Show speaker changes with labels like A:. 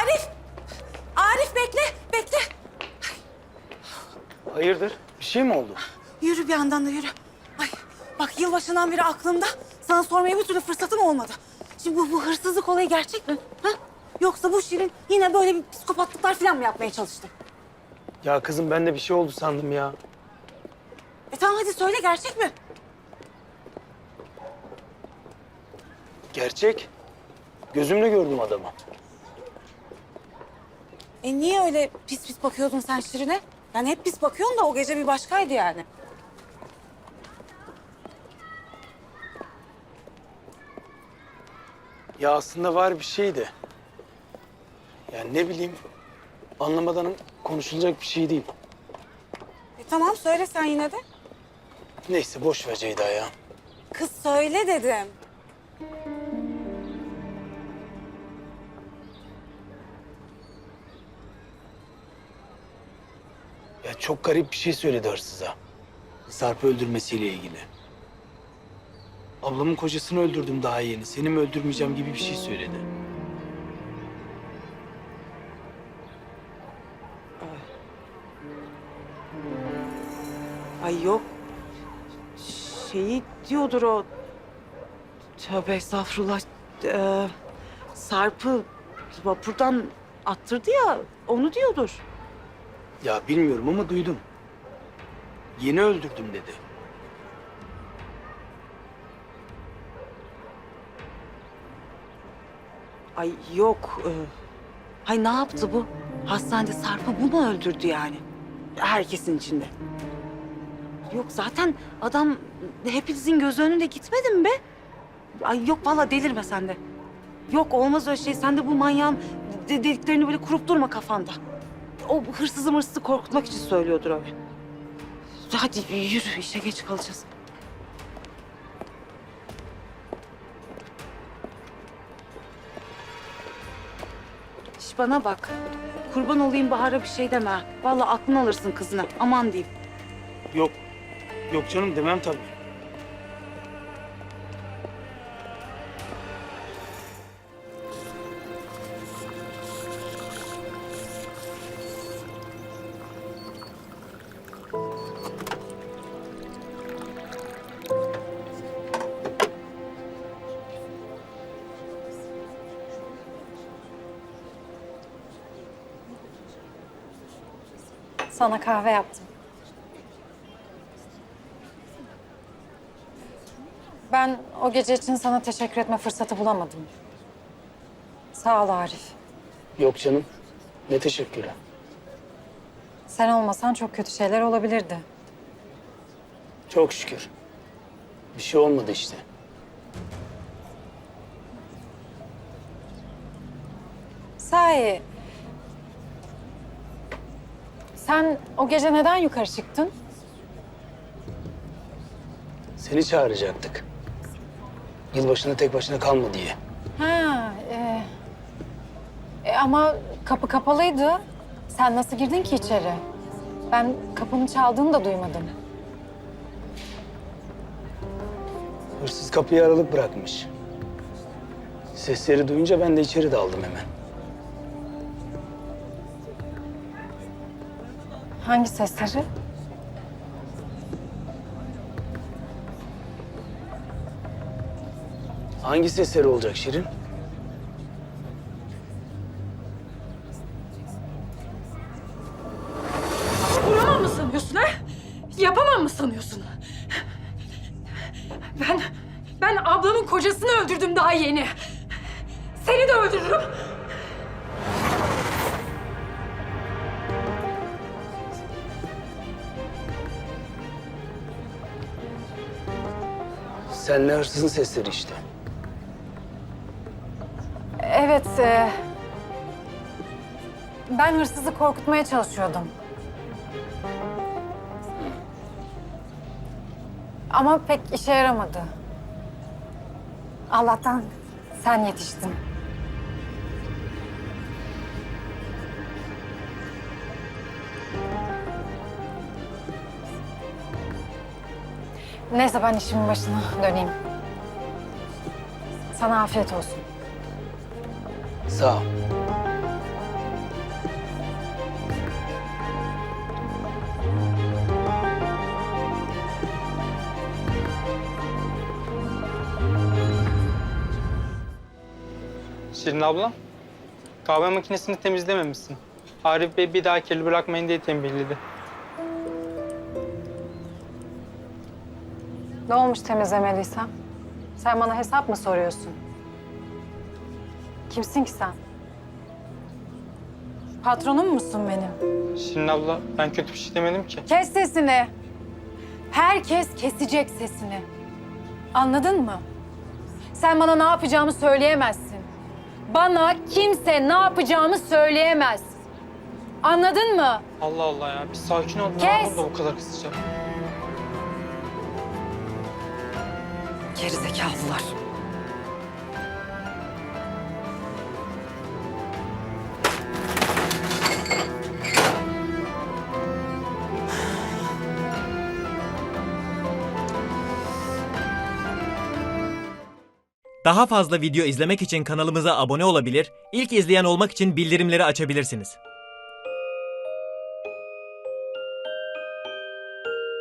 A: Arif! Arif bekle, bekle.
B: Hayırdır? Bir şey mi oldu?
A: Yürü bir yandan da yürü. Ay bak yılbaşından beri aklımda. Sana sormaya bir türlü fırsatım olmadı. Şimdi bu hırsızlık olayı gerçek mi? Ha? Yoksa bu Şirin yine böyle bir psikopatlıklar falan mı yapmaya çalıştı?
B: Ya kızım ben de bir şey oldu sandım ya.
A: Tamam hadi söyle gerçek mi?
B: Gerçek. Gözümle gördüm adamı.
A: Niye öyle pis pis bakıyordun sen Şirin'e? Yani hep pis bakıyorsun da o gece bir başkaydı yani.
B: Ya aslında var bir şey de. Yani ne bileyim anlamadan konuşulacak bir şey değil.
A: Tamam söyle sen yine de.
B: Neyse boş ver Ceyda ya.
A: Kız söyle dedim.
B: Ya çok garip bir şey söyledi hırsıza. Sarp'ı öldürmesiyle ilgili. Ablamın kocasını öldürdüm daha yeni. Seni mi öldürmeyeceğim gibi bir şey söyledi.
A: Ay yok. Şeyi diyordur o. Tövbe estağfurullah. Sarp'ı vapurdan attırdı ya, onu diyordur.
B: Ya bilmiyorum ama duydum. Yeni öldürdüm dedi.
A: Ay yok. Hay ne yaptı bu? Hastanede Sarp'ı bu mu öldürdü yani? Herkesin içinde. Yok zaten adam hepinizin göz önünde gitmedi mi be? Ay yok vallahi delirme sen de. Yok olmaz öyle şey. Sen de bu manyağın dediklerini böyle kurup durma kafanda. O hırsızı korkutmak için söylüyordur öyle. Hadi yürü işe geç kalacağız. Şş bana bak. Kurban olayım Bahar'a bir şey deme. Ha. Vallahi aklını alırsın kızına. Aman diyeyim.
B: Yok. Yok canım demem tabii.
C: Sana kahve yaptım. Ben o gece için sana teşekkür etme fırsatı bulamadım. Sağ ol Arif.
B: Yok canım. Ne teşekkürler.
C: Sen olmasan çok kötü şeyler olabilirdi.
B: Çok şükür. Bir şey olmadı işte.
C: Sahi, sen o gece neden yukarı çıktın?
B: Seni çağıracaktık. Yılbaşında tek başına kalma diye.
C: Ha, ama kapı kapalıydı. Sen nasıl girdin ki içeri? Ben kapının çaldığını da duymadım.
B: Hırsız kapıyı aralık bırakmış. Sesleri duyunca ben de içeri daldım hemen.
C: Hangi sesleri?
B: Hangi sesleri olacak Şirin?
D: Vuramam mı sanıyorsun ha? Yapamam mı sanıyorsun? Ben ablamın kocasını öldürdüm daha yeni. Seni de öldürürüm.
B: Senle hırsızın sesleri işte.
C: Evet, ben hırsızı korkutmaya çalışıyordum. Ama pek işe yaramadı. Allah'tan sen yetiştin. Neyse ben işimin başına döneyim. Sana afiyet olsun.
B: Sağ ol.
E: Şirin abla, kahve makinesini temizlememişsin. Arif Bey bir daha kirli bırakmayın diye tembihledi.
C: Ne olmuş temizlemediysem? Sen bana hesap mı soruyorsun? Kimsin ki sen? Patronum musun benim?
E: Şirin abla, ben kötü bir şey demedim ki.
C: Kes sesini. Herkes kesecek sesini. Anladın mı? Sen bana ne yapacağımı söyleyemezsin. Bana kimse ne yapacağımı söyleyemez. Anladın mı?
E: Allah Allah ya, bir sakin ol. Ne
C: Kes!
E: oldu bu kadar kısaca?
C: Gerizekalılar.
F: Daha fazla video izlemek için kanalımıza abone olabilir, ilk izleyen olmak için bildirimleri açabilirsiniz.